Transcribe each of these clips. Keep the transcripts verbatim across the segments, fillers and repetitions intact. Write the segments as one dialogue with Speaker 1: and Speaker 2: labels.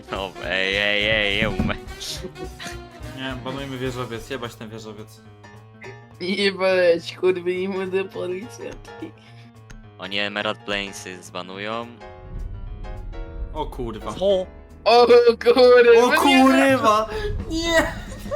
Speaker 1: No, ej, ej, ej, ej, umę.
Speaker 2: Nie, banujmy wieżowiec, jebać ten wieżowiec.
Speaker 3: Nie bać, kurwy, i młode policjantki.
Speaker 1: Oni Emerald Plainsy zbanują.
Speaker 2: O kurwa.
Speaker 1: O!
Speaker 3: O kurwa!
Speaker 2: O kurwa! Nie!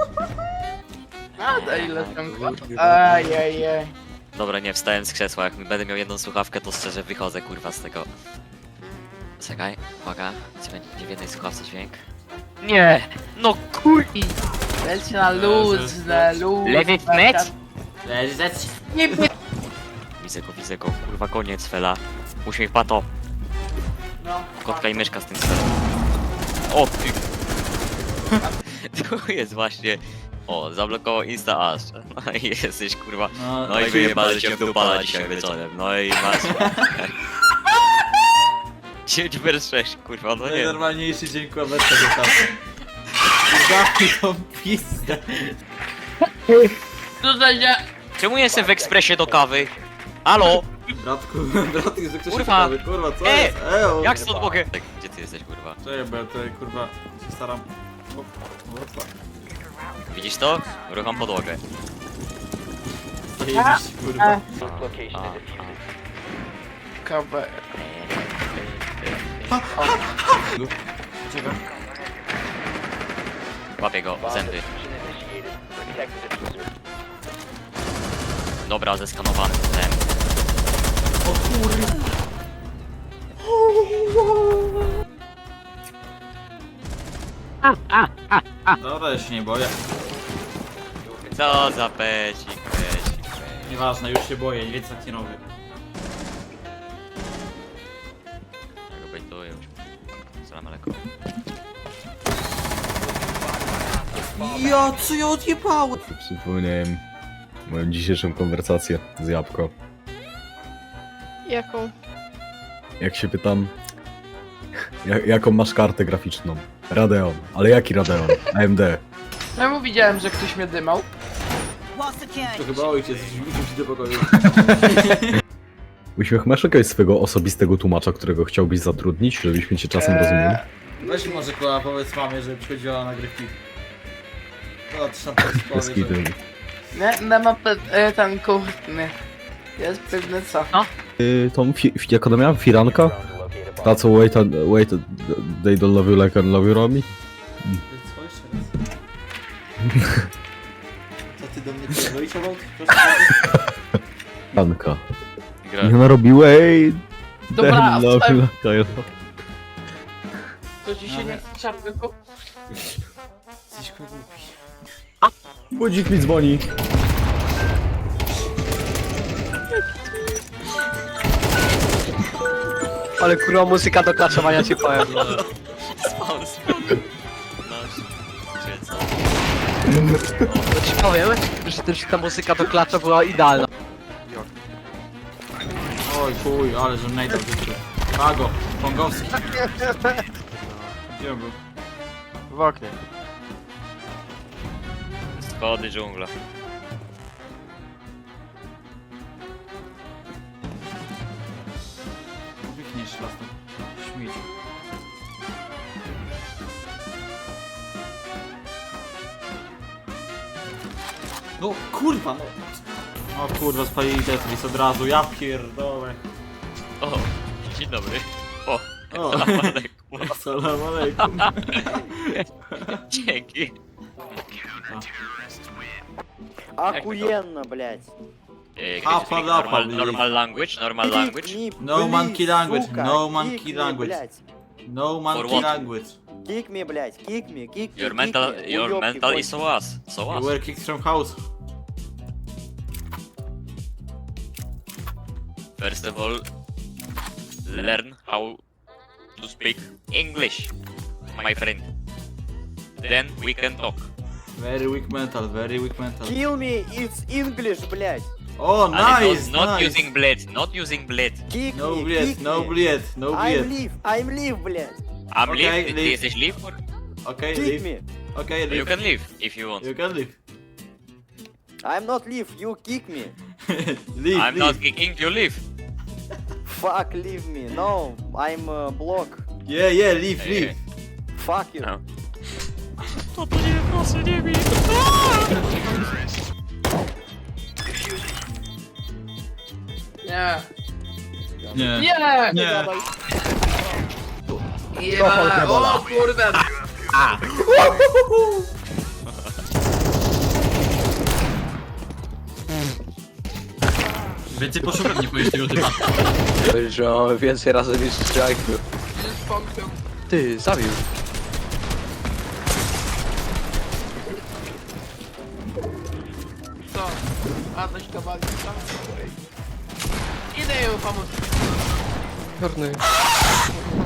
Speaker 3: A daj ile tam Ajajaj.
Speaker 1: Dobra, nie, wstałem z krzesła, jak będę miał jedną słuchawkę, to szczerze wychodzę, kurwa, z tego. Czekaj, uwaga, czy będzie w jednej słuchawce dźwięk? Nie! No kur...
Speaker 3: Leć na luz, na luz.
Speaker 1: Lewy mecz?
Speaker 2: Leżeć!
Speaker 3: Nie by...
Speaker 1: Widzę go, widzę go, kurwa, koniec, fela. Uśmiech pato.
Speaker 3: No.
Speaker 1: Kotka i myszka z tym sferem. O, ty! Tu jest właśnie... O, zablokował Insta Ash. No i jesteś, kurwa...
Speaker 2: No,
Speaker 1: No i wyjebali cię w dupala dzisiaj wieczorem, no i masz... dziewięć vers sześć, kurwa, no nie.
Speaker 2: najnormalniejszy dzień kłameczka do czasu. Zamknij tą pizdę.
Speaker 3: Co za dzia...
Speaker 1: Czemu jestem w ekspresie do kawy? Halo?
Speaker 2: Bratku, bratku, że ktoś
Speaker 1: Kurwa.
Speaker 2: się kurwa, co
Speaker 1: E,
Speaker 2: jest? Eo,
Speaker 1: Jak stąd mogę? Tak, gdzie ty jesteś, kurwa?
Speaker 2: Czekaj, bo ja tutaj kurwa się staram... O, o, fuck.
Speaker 1: Widzisz to? Rucham podłogę.
Speaker 2: Zajebiście, kurwa.
Speaker 1: A, a.
Speaker 3: Kabę.
Speaker 2: Czekaj.
Speaker 1: Łapię go, zęby. Dobra, zeskanowany ten.
Speaker 2: O kurwa. Dobra, ja się nie boję.
Speaker 1: Co za pecik, pecik, pecik.
Speaker 2: Nieważne, już się boję, więc tak nie robię.
Speaker 1: Ja go bejtuję już. Salam alaikum.
Speaker 2: Ja, co ja odjebałem?
Speaker 4: Przypomniałem moją dzisiejszą konwersację z Jabłko.
Speaker 5: Jaką?
Speaker 4: Jak się pytam, jak, jaką masz kartę graficzną? Radeon. Ale jaki Radeon? A M D.
Speaker 3: Czemu widziałem, że ktoś mnie dymał?
Speaker 2: To chyba ojciec rzucił ci do pokoju.
Speaker 4: Uśmiech, masz jakiegoś swego osobistego tłumacza, którego chciałbyś zatrudnić, żebyśmy cię czasem rozumieli?
Speaker 2: Weź może kurwa, powiedz mamie, że przychodziła na nagrywki. No, to tam powie,
Speaker 4: Bez
Speaker 2: że...
Speaker 4: kitu.
Speaker 3: Nie, nie ma pe... e, ten kurny. Jest pewne co? No.
Speaker 4: Y, tą, fi, fi- jak ona miała? Firanka? Ta co wait, and, wait, they don't love you like I love you, Romi?
Speaker 2: Co jeszcze raz? Co ty do mnie pierdolisz, Obok? Proszę bardzo.
Speaker 4: Firanka.
Speaker 1: Gra.
Speaker 4: I ona robi wait,
Speaker 3: Dobra,
Speaker 4: they love you
Speaker 3: wstałem.
Speaker 4: like I love.
Speaker 3: To ci się nie chce czapy kup...
Speaker 2: Jesteś kurwa głupi.
Speaker 4: Budzik mi dzwoni.
Speaker 6: Ale kurwa muzyka do klaczowania ci powiem.
Speaker 1: Spawn, spawn. Nasz. Gdzie co?
Speaker 6: To ci powiem, że też ta muzyka do klacza była idealna.
Speaker 2: Oj chuj, ale że najdę w życiu. Pago, Pongowski. Gdzie on był?
Speaker 6: W oknie.
Speaker 1: Schody, dżungla.
Speaker 2: Wychniesz las tam. Śmieciu. No kurwa no. O kurwa, spalili Tetris od razu, ja pierdolę.
Speaker 1: O, dzień dobry. O,
Speaker 2: O.
Speaker 1: salam alaikum.
Speaker 2: Salam alejkum.
Speaker 1: Dzięki.
Speaker 7: Охуенно, блядь.
Speaker 1: Eh,
Speaker 2: Ah,
Speaker 1: can you speak
Speaker 2: pala,
Speaker 1: normal,
Speaker 2: pali.
Speaker 1: normal language, normal language.
Speaker 7: Kick me,
Speaker 2: No
Speaker 7: please,
Speaker 2: monkey language,
Speaker 7: сука.
Speaker 2: no monkey
Speaker 7: Kick me,
Speaker 2: language.
Speaker 7: блядь.
Speaker 2: No monkey
Speaker 1: what?
Speaker 2: language.
Speaker 7: Kick me, блядь, kick me, kick me,
Speaker 1: Your
Speaker 7: kick
Speaker 1: mental,
Speaker 7: me.
Speaker 1: your
Speaker 7: Уёбки,
Speaker 1: mental
Speaker 7: конченые.
Speaker 1: is so us, so
Speaker 2: You
Speaker 1: us.
Speaker 2: were kicked from house.
Speaker 1: First of all, learn how to speak English, my friend. Then we can talk.
Speaker 2: Very weak mental, very weak mental.
Speaker 7: Kill me, it's English, блядь.
Speaker 2: Oh,
Speaker 1: And
Speaker 2: nice,
Speaker 1: not, not
Speaker 2: nice.
Speaker 1: using blade, not using blade.
Speaker 7: Kick
Speaker 2: No
Speaker 7: me,
Speaker 2: bled,
Speaker 7: kick
Speaker 2: no
Speaker 7: me.
Speaker 2: bled, no
Speaker 7: I'm
Speaker 2: bled.
Speaker 7: leave, I'm leave, блядь.
Speaker 1: I'm
Speaker 2: Okay,
Speaker 1: leave, ty
Speaker 2: leave.
Speaker 1: jesteś leave? Or?
Speaker 2: Okay,
Speaker 7: Kick
Speaker 2: leave.
Speaker 7: me.
Speaker 2: Okay,
Speaker 1: You
Speaker 2: leave.
Speaker 1: can leave if you want.
Speaker 2: You can leave.
Speaker 7: I'm not leave, you kick me.
Speaker 2: Leave,
Speaker 1: I'm
Speaker 2: leave.
Speaker 1: not kicking you, leave.
Speaker 7: Fuck, leave me. No, I'm uh, block.
Speaker 2: Yeah, yeah, leave,
Speaker 1: Yeah,
Speaker 2: leave.
Speaker 7: Fuck you.
Speaker 1: No. To to nie, proszę, nie bij.
Speaker 3: Nie.
Speaker 5: Nie.
Speaker 3: Nie!
Speaker 5: Nie.
Speaker 3: Ja, o kurde!
Speaker 5: Więcej poszukam, nie powiesz tego typa.
Speaker 6: Że on więcej razy niż strzelaj.
Speaker 3: Jest pompią.
Speaker 6: Ty, zabił.
Speaker 3: Co? A, coś kawałek tam? Idę ją pomóc.
Speaker 6: Czarny.